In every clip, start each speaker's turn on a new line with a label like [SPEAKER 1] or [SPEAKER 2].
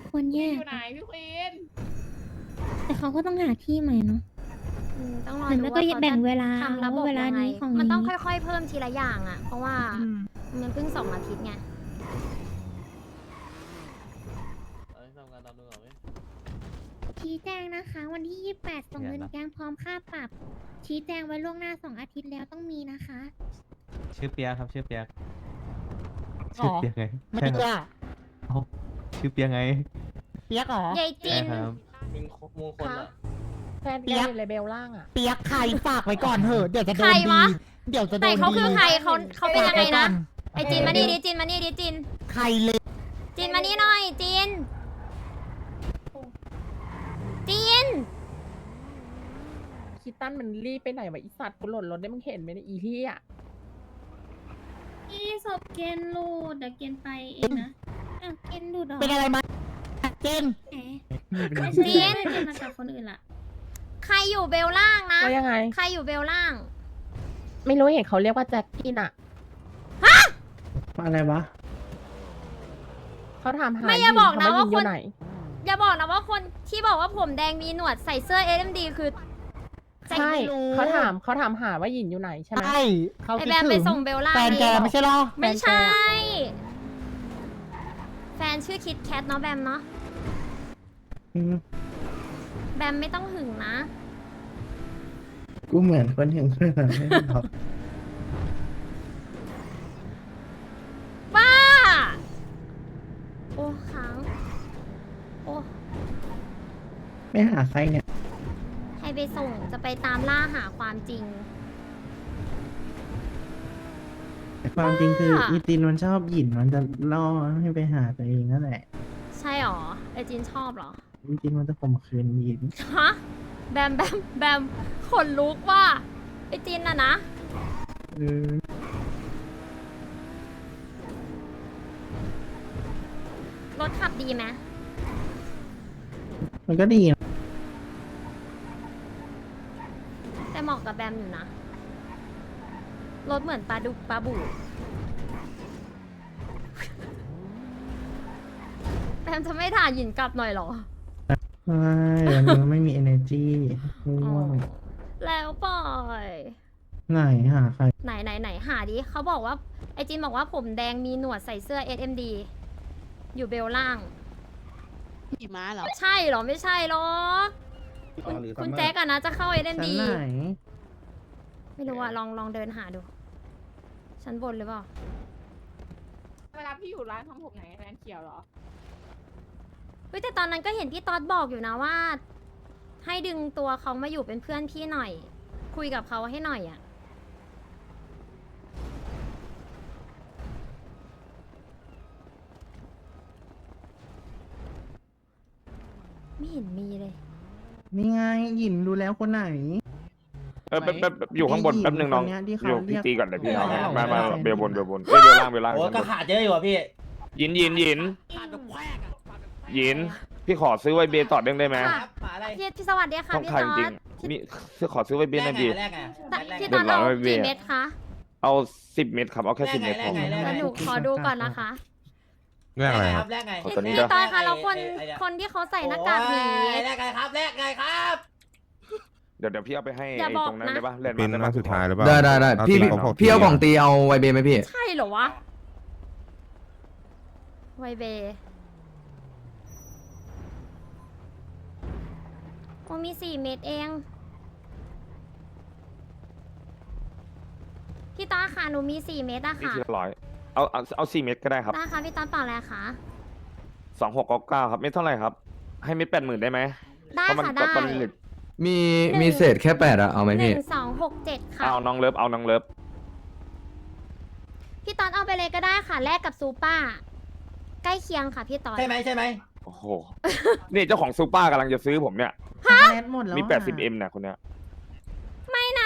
[SPEAKER 1] ควรแยก
[SPEAKER 2] อยู่ไหนพี่ควีน
[SPEAKER 1] แต่เขาก็ต้องหาที่ใหม่เนาะ
[SPEAKER 3] ต้องรอ
[SPEAKER 1] หรือ
[SPEAKER 3] ดู
[SPEAKER 1] ไม่
[SPEAKER 3] ว่า
[SPEAKER 1] ก็
[SPEAKER 3] เขา
[SPEAKER 1] แบ่งเว
[SPEAKER 3] จะ
[SPEAKER 1] ลา
[SPEAKER 3] ทำระบบ
[SPEAKER 1] เวลา
[SPEAKER 3] ยังไง
[SPEAKER 1] นี้ของ
[SPEAKER 3] มันต้อง
[SPEAKER 1] นี้
[SPEAKER 3] ค่อยๆเพิ่มทีละอย่างอ่ะ เพราะว่ามันเพิ่ง2 อาทิตย์ไง
[SPEAKER 1] ชี้แจงนะคะ วันที่ 28 ส่งเงินแกงพร้อมค่าปรับ ชี้แจงไว้ล่วงหน้า 2 อาทิตย์แล้วต้องมีนะคะ
[SPEAKER 4] ชื่อเปียกครับชื่อเปียก
[SPEAKER 5] หรอ
[SPEAKER 4] ชื่อเปียกไง
[SPEAKER 5] ไม่
[SPEAKER 4] ใช่
[SPEAKER 5] เปี
[SPEAKER 4] ค
[SPEAKER 5] ย
[SPEAKER 4] รับเอ้าชื่อเปียกไง
[SPEAKER 5] เปียกเหรอย
[SPEAKER 3] ายจิ
[SPEAKER 4] ใช่
[SPEAKER 3] น
[SPEAKER 4] ครับ
[SPEAKER 6] มึงมงคลอ่ะ
[SPEAKER 2] แฟน
[SPEAKER 5] เปี
[SPEAKER 2] แก
[SPEAKER 5] ยก
[SPEAKER 2] อยู่เลเบลล่างอ่ะ
[SPEAKER 5] เปียกใครฝากไว้ก่อนเถอะเดี๋ยวจะโด
[SPEAKER 3] ใคร
[SPEAKER 5] น
[SPEAKER 3] วะ
[SPEAKER 5] ดีเดี๋ยวจะโด
[SPEAKER 3] แต่
[SPEAKER 5] น
[SPEAKER 3] เขาคือ
[SPEAKER 5] ดี
[SPEAKER 3] ใครเขาเป็นยังไงนะ
[SPEAKER 5] ฝากว้ก่อ
[SPEAKER 3] ไอจินมานี่ดิจินมานี่ดิจิน
[SPEAKER 5] ใครเลย
[SPEAKER 3] จินมานี่หน่อยจินจิน
[SPEAKER 2] คิดตันมันรีบไปไหนวะอีสัตว์กูหล่นรถได้มึงเห็นไหมเนี่ยอีเหี้ย
[SPEAKER 1] อีศพเกณฑ์ลูดเดี๋ยวเกณฑ์ไปเองนะอ้าวเกณฑ์ลูดเหรอ
[SPEAKER 5] เป็นอะไรมาเจน
[SPEAKER 1] แหมไม่ใช่เกณฑ์มาจากคนอื่นละ
[SPEAKER 3] ใครอยู่เบลล่างนะ
[SPEAKER 2] ว่ายังไง
[SPEAKER 3] ใครอยู่เบลล่าง
[SPEAKER 2] ไม่รู้เห็นเขาเรียกว่าแจ็คกินอ่ะ
[SPEAKER 6] อะไรวะ
[SPEAKER 2] เขาถามหา
[SPEAKER 3] ไม่อย่าบอกนะ
[SPEAKER 2] เข
[SPEAKER 3] ว่า
[SPEAKER 2] ยิง
[SPEAKER 3] ค
[SPEAKER 2] อน ยู่ไหน
[SPEAKER 3] อย่าบอกนะว่าคนที่บอกว่าผมแดงมีหนวดใส่เสื้อ SMD คือแจ็ค
[SPEAKER 2] ใช่
[SPEAKER 5] ไม่รู้
[SPEAKER 2] เขาถามหาว่าหยินอยู่ไหนใช่ไหม
[SPEAKER 5] ใช่เขา
[SPEAKER 3] ไอ
[SPEAKER 5] คิด
[SPEAKER 3] แบมไป
[SPEAKER 5] ถึง
[SPEAKER 3] ส่งเบลล่าง
[SPEAKER 5] แฟนแก
[SPEAKER 3] เอง
[SPEAKER 5] ไม่ใช่หรอ
[SPEAKER 3] ไม่ใช่
[SPEAKER 2] แฟนแก
[SPEAKER 3] แฟนชื่อคิดแคทเนาะแบมเนาะแบมไม่ต้องหึงนะ
[SPEAKER 6] กูเหมือนคนถึงเพื่อนไม่หรอก
[SPEAKER 3] บ้า โอ้ค้างโอ้
[SPEAKER 6] ไม่หาใครเนี่ย
[SPEAKER 3] ให้ไปส่งจะไปตามล่าหาความจริง
[SPEAKER 6] แต่ความจริงคือ
[SPEAKER 3] บ้า
[SPEAKER 6] อีตินมันชอบหยินมันจะล่อให้ไปหาตัวเองนั่นแหละ
[SPEAKER 3] ใช่หรอไอจินชอบหรอ
[SPEAKER 6] อีตินมันจะข่มขืนหยิน
[SPEAKER 3] ฮะแบมแบมแบมขนลุกว่าไอจินน่ะนะ
[SPEAKER 6] เออ
[SPEAKER 3] รถขับดีไหม
[SPEAKER 6] มันก็ดีนะ
[SPEAKER 3] แต่เหมาะกับแบมอยู่นะ รถเหมือนปลาดุกปลาบูแบมจะไม่ถ่ายหยินกลับหน่อยเหรอ
[SPEAKER 6] ใช่วันนี้มันไม่มี energy ง่วง
[SPEAKER 3] แล้วปล่อย
[SPEAKER 6] ไหนหาใคร
[SPEAKER 3] ไหนหาดิเขาบอกว่าไอจินบอกว่าผมแดงมีหนวดใส่เสื้อ SMD อยู่เบลล่าง
[SPEAKER 7] ขี่ม้าเหรอ
[SPEAKER 3] ใช่เหรอไม่ใช่หรอกคุณแจ็คอะนะจะเข้า
[SPEAKER 6] ชั้น
[SPEAKER 3] SMD
[SPEAKER 6] ไหน
[SPEAKER 3] ไม่รู้อะลองเดินหาดู ชั้นบนหรือเปล่า
[SPEAKER 2] เวลาพี่อยู่ร้านทำผมไหนแฟนเขียวเหรอ
[SPEAKER 3] เฮ้ยแต่ตอนนั้นก็เห็นพี่ต๊อดบอกอยู่นะว่า ให้ดึงตัวเขามาอยู่เป็นเพื่อนพี่หน่อย คุยกับเขาให้หน่อยอะไม่เห็นมีเลย
[SPEAKER 6] นี่ไงหยินรู้แล้วคนไหน
[SPEAKER 8] แป๊บอยู่ข้างบนแป๊บหนึ่งน้อง
[SPEAKER 6] คนเนี้ยที่เขา
[SPEAKER 8] อยู่
[SPEAKER 6] เรี
[SPEAKER 8] พี่
[SPEAKER 6] ยก
[SPEAKER 8] ตีก่อนเลยพี่น้อง
[SPEAKER 6] เออ
[SPEAKER 8] มา
[SPEAKER 6] เออ
[SPEAKER 8] เบลบนเอ้ยเบลล่างเบลล่าง
[SPEAKER 9] โอ้
[SPEAKER 8] ชั้นบ
[SPEAKER 9] ก็
[SPEAKER 8] น
[SPEAKER 9] ขาดเยอะอยู่อ่ะพี่
[SPEAKER 8] หยินหยินพี่ขอซื้อไวเบต่อเด้งได้ไหม
[SPEAKER 3] ค่ะ
[SPEAKER 9] หาอะไร
[SPEAKER 3] พี่สวัสดีค่ะ
[SPEAKER 8] ต้อง
[SPEAKER 3] พี่
[SPEAKER 8] ขาย
[SPEAKER 3] ต๊
[SPEAKER 8] จ
[SPEAKER 3] อ
[SPEAKER 8] ริง
[SPEAKER 3] ด
[SPEAKER 8] ๆมีขอซื้อไวเบหน่อยดี
[SPEAKER 9] แรกไง
[SPEAKER 3] พี่ต๊อดเอากี่เม็ดคะ
[SPEAKER 8] เอา10 เม็ดครับเอาแค่10 เม็ดพอ
[SPEAKER 3] แล้วหนูขอดูก่อนนะคะ
[SPEAKER 9] แรกไงครับแรกไง
[SPEAKER 8] เอาตัวนี้
[SPEAKER 3] พี่ต๊อดคะแล้วคนที่เขาใส่หน้ากากหมี
[SPEAKER 9] แรกไงครับแรกไงครับ
[SPEAKER 8] เดี๋ยวพี่เอาไปให้
[SPEAKER 3] อย่า
[SPEAKER 8] ไอ้
[SPEAKER 3] บอก
[SPEAKER 8] ตรงนั้น
[SPEAKER 3] นะ
[SPEAKER 8] ได้ปะแลนด์
[SPEAKER 10] เป็
[SPEAKER 8] มาน ร์ค
[SPEAKER 10] นัดสุดท้ายหรือเปล่า
[SPEAKER 4] ได้พี่
[SPEAKER 10] พี่เอาของตีเอาไวเบไหมพี่
[SPEAKER 3] ใช่เหรอวะ ไวเบโอ้มี4 เม็ดเอง พี่ต๊อดค่ะหนูมี4 เม็ดอะ
[SPEAKER 8] นี่
[SPEAKER 3] ค่ะ
[SPEAKER 8] ทีละ100เอา4 เม็ดก็ได้ครับ
[SPEAKER 3] ได้ค่ะพี่ต๊อดเปล่าแล้วคะ
[SPEAKER 8] 2699ครับเม็ดเท่าไหร่ครับให้เม็ด80,000ได้ไหม
[SPEAKER 3] ได้
[SPEAKER 8] เพราะมัน
[SPEAKER 3] ค่ะได้
[SPEAKER 8] ตอนนี้เหลือ
[SPEAKER 10] มีเศษแค่8อะเอาไหมพี่
[SPEAKER 3] 1267ค่ะ
[SPEAKER 8] เอาน้องเลิฟเอาน้องเลิฟ
[SPEAKER 3] พี่ต๊อดเอาไปเลยก็ได้ค่ะแลกกับซูเปอร์ใกล้เคียงค่ะพี่ต๊อด
[SPEAKER 9] ใช่ไหมใช่ไหม
[SPEAKER 8] โอ้โหนี่เจ้าของซูเปอร์กำลังจะซื้อผมเนี่ย
[SPEAKER 6] แลนด์หมดแล้ว
[SPEAKER 8] มี
[SPEAKER 6] อะ
[SPEAKER 8] 80M เนี่ยคนเนี้ย
[SPEAKER 3] ไม่นะ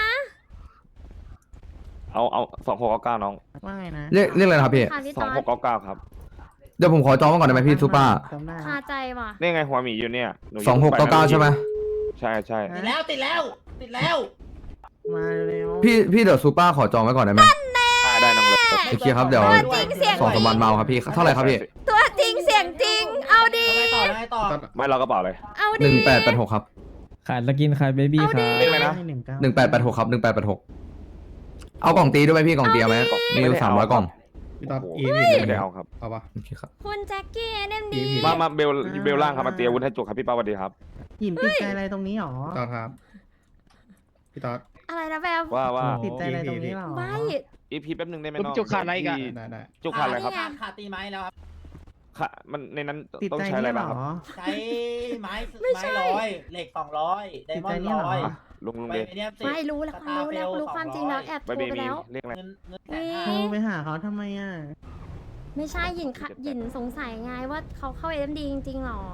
[SPEAKER 8] เอา2699น้อง
[SPEAKER 6] ว่าไงนะ
[SPEAKER 10] เรียกอะไรนะครับพี่
[SPEAKER 3] ค่ะพี่ต๊อด
[SPEAKER 8] 2699ครับ
[SPEAKER 10] เดี๋ยวผมขอจองไว้ก่อนได้ไหมพี่ซูเปอร์
[SPEAKER 6] จำได้
[SPEAKER 3] คาใจว่ะ
[SPEAKER 8] นี่ไงหัวหมีอยู่เนี่ยหนู
[SPEAKER 10] 2699ใช่ไหม
[SPEAKER 8] ใช่
[SPEAKER 9] ติดแล้วติดแล้วติดแล้ว
[SPEAKER 6] มาเร็ว
[SPEAKER 10] พี่เดี๋ยวซูเปอร์ขอจองไว้ก่อนได้ไหม
[SPEAKER 8] ได้น้องเลิฟ
[SPEAKER 10] โอเคครับเดี๋ยว
[SPEAKER 3] ตัวจริงเสียง
[SPEAKER 10] 2-3 วันมาเอาครับพี่เท่าไหร่ครับพี่
[SPEAKER 3] ตัวจริงเสียงจริง เอาดี
[SPEAKER 9] เอาไงต่อไงต่อ
[SPEAKER 8] ไม่เรากระเป๋าเลย
[SPEAKER 3] เอา
[SPEAKER 10] ห
[SPEAKER 3] ดิ
[SPEAKER 10] นึ่งแปดแปดหกครับ
[SPEAKER 4] ขาดสกินขาดเบบี้
[SPEAKER 3] เอา
[SPEAKER 4] ค
[SPEAKER 3] ดิ
[SPEAKER 4] รับ
[SPEAKER 8] เรียกอะไรนะ
[SPEAKER 10] 1886ครับ1886เอากล่องตีด้วยไหมพี่กล่องตีเอาไหมมีอยู่300กล่อง
[SPEAKER 8] พี่ต๊อบไม่ได้เอาครับ
[SPEAKER 10] โอเคครับ
[SPEAKER 3] คุณแจ็คกี้เอ็มดี
[SPEAKER 8] มาเบลล่างครับมาเตรียมอาวุธให้จุกครับพี่ป้าสวัสดีครับ
[SPEAKER 5] หยิมติดใจอะไรตรงนี้หรอ
[SPEAKER 6] ต่อครับ พี่ต๊อด
[SPEAKER 3] อะไรนะแบบ
[SPEAKER 8] ว่า
[SPEAKER 5] ติดใจอะไรตรงนี้หรอ
[SPEAKER 3] ไม่
[SPEAKER 8] อีพีแป๊บนึงได้ไหมน้อง
[SPEAKER 11] จุกขาดอะไรอีกอะ
[SPEAKER 8] พี่
[SPEAKER 6] ได้
[SPEAKER 8] จุกขาดอะไรครับ
[SPEAKER 9] ขาดตีไม้แล้วครับ
[SPEAKER 8] ขามันในนั้น
[SPEAKER 5] ติด
[SPEAKER 8] ต้อง
[SPEAKER 5] ใจ
[SPEAKER 8] ใช้อะไร
[SPEAKER 5] นี่หร
[SPEAKER 8] บ้างครับ
[SPEAKER 5] อ
[SPEAKER 9] ใช้ไม้100เหล็ก200ไดมอนด์ 100
[SPEAKER 8] ลุง
[SPEAKER 9] ไป
[SPEAKER 8] เบ
[SPEAKER 9] เนี่ย10
[SPEAKER 3] ไม่รู้แล้วรู้ความจริงแล้วแอบโท
[SPEAKER 8] ไป
[SPEAKER 3] ร
[SPEAKER 8] เบ
[SPEAKER 3] ไป
[SPEAKER 8] มี
[SPEAKER 3] แล้ว
[SPEAKER 8] เรียกอะไร
[SPEAKER 9] เงิน
[SPEAKER 5] โทรไปหาเขาทำไมอ่ะ
[SPEAKER 3] ไม่ใช่หยินหยินสงสัยไงว่าเขาเข้าเอ็มดีจริงๆหรอ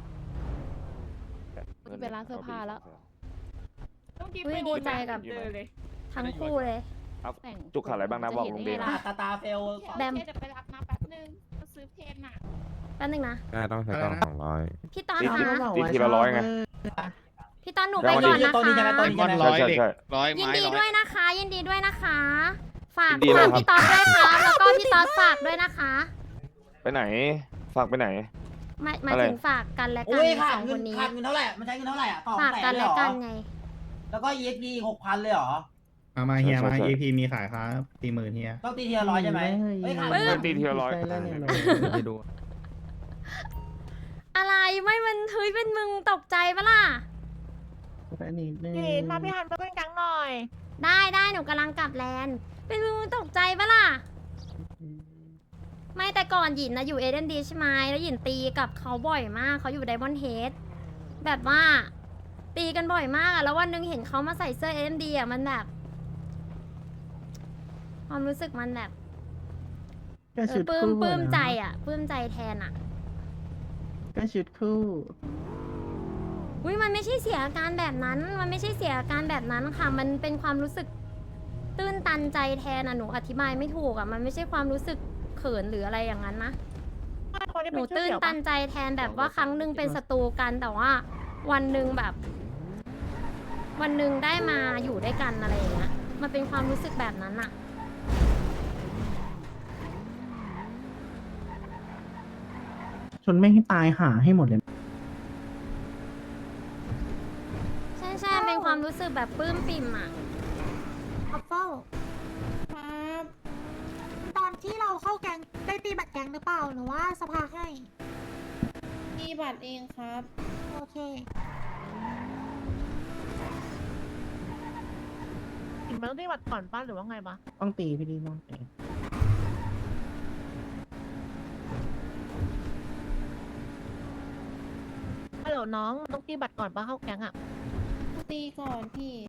[SPEAKER 2] เป็นร้านเสื้อผ้าแล้ว ต้องกิน
[SPEAKER 3] อุ๊
[SPEAKER 2] ไป
[SPEAKER 3] ยดีใจกับ
[SPEAKER 2] เจอเลย
[SPEAKER 3] ทั้งคู่เลย
[SPEAKER 2] แต่ง
[SPEAKER 8] จุกขาดอะไรบ้างนะบอกลุงเบ
[SPEAKER 2] จะเห็นไง
[SPEAKER 8] นะ
[SPEAKER 2] ล่ะ
[SPEAKER 9] ตาเฟล
[SPEAKER 3] แบม
[SPEAKER 2] โอเคเดี๋ยวไปรับนะแป๊บนึงก็ซื้อเพนน่ะ
[SPEAKER 3] แป๊บนึงนะ
[SPEAKER 11] ต้องใช้กล่อง200
[SPEAKER 3] พี่ตอน
[SPEAKER 8] ตี
[SPEAKER 3] คะ
[SPEAKER 8] ตีทีละร้อยไง
[SPEAKER 3] พี่ตอนหนูไปก่อนนะ
[SPEAKER 9] ตัวนี้ใช่ไหม
[SPEAKER 3] คะ
[SPEAKER 9] ตัวนี้ใช่ไหม
[SPEAKER 8] ใช่ใช่ใช่
[SPEAKER 3] ยินดีด้วยนะคะ ยินดีด้วยนะคะ ฝาก
[SPEAKER 8] ยินดีเลยครับ
[SPEAKER 3] พี่ตอนด้วยค่ะแล้วก็พี่ตอนฝากด้วยนะคะ
[SPEAKER 8] ไปไหน ฝากไปไหน
[SPEAKER 3] หมาย
[SPEAKER 8] อะไร
[SPEAKER 3] ถึงฝากกันและกั
[SPEAKER 9] โอ้ย
[SPEAKER 3] ส
[SPEAKER 9] ขาด
[SPEAKER 3] อง
[SPEAKER 9] เงิ
[SPEAKER 3] คน นนี้
[SPEAKER 9] ขาดเงินเท่าไหร่มันใช้เงินเท่าไหร่อ่ะ
[SPEAKER 3] ฝาก
[SPEAKER 9] 200,000
[SPEAKER 3] กัน
[SPEAKER 9] เลย
[SPEAKER 3] และ
[SPEAKER 9] เหรอ
[SPEAKER 3] กันไง
[SPEAKER 9] แล้วก็ EXP 6,000 เลยเหรอ
[SPEAKER 6] มาเฮียมา
[SPEAKER 8] ใช่ใช่
[SPEAKER 6] EP มีขายครับ40,000เฮีย
[SPEAKER 9] ต้องตีทีละร้อยใช่ไหมเฮ้ยขาด
[SPEAKER 3] เฮ้ย
[SPEAKER 8] เงินตีทีละร้อย
[SPEAKER 5] ติดใจแล้วเนี่ย
[SPEAKER 10] ไปดู
[SPEAKER 3] อะไรไม่มันเฮ้ยเป็นมึงตกใจปะล่ะ
[SPEAKER 5] แป๊บนิดนึง
[SPEAKER 2] ยินมาพี่ฮันมาเป็นกังหน่อย
[SPEAKER 3] ได้หนูกำลังกลับแลนด์เป็นมึงตกใจปะล่ะ ไม่แต่ก่อนหยินนะอยู่เอเดนดีใช่ไหมแล้วหยินตีกับเขาบ่อยมากเขาอยู่ไดมอนด์เฮดแบบว่า ตีกันบ่อยมากอะแล้ววันหนึงเห็นเขามาใส่เสื้อเอเดนดีอะมันแบบ ความรู้สึกมันแบบ
[SPEAKER 5] ก็ชุด
[SPEAKER 3] ปลื้ม
[SPEAKER 5] คู่
[SPEAKER 3] ปลื้ม
[SPEAKER 5] นะ
[SPEAKER 3] ใจอะปลื้มใจแทนอะ
[SPEAKER 5] ก็ชุดคู่
[SPEAKER 3] อุ้ยมันไม่ใช่เสียอาการแบบนั้น มันไม่ใช่เสียอาการแบบนั้นค่ะ มันเป็นความรู้สึกตื้นตันใจแทนอะหนูอธิบายไม่ถูกอะมันไม่ใช่ความรู้สึกเขินหรืออะไรอย่างนั้นนะ หนูตื้นตันใจแทนแบบว่าครั้งหนึ่งเป็นศัตรูกันแต่ว่า วันหนึ่งแบบ วันหนึ่งได้มาอยู่ด้วยกันอะไรอย่างเงี้ยมันเป็นความรู้สึกแบบนั้นอะ
[SPEAKER 5] ชนไม่ให้ตายหาให้หมดเลย
[SPEAKER 3] ใช่ใช่เป็นความรู้สึกแบบปลื้มปิ่มอะ
[SPEAKER 1] อัฟเฟิลครับตอนที่เราเข้าแก๊งได้ตีบัตรแก๊งหรือเปล่าหรือว่าสภาให้ตีบัตรเองครับ โอเค
[SPEAKER 2] มันต้องได้บัตรก่อนป้าหรือว่าไงปะ
[SPEAKER 5] ต้องตีพี่ดีต้องตี
[SPEAKER 2] ฮัลโหลน้องต้องตีบัตรก่อนป้าเข้าแก๊งอ่ะ
[SPEAKER 1] ตีก่อนพี่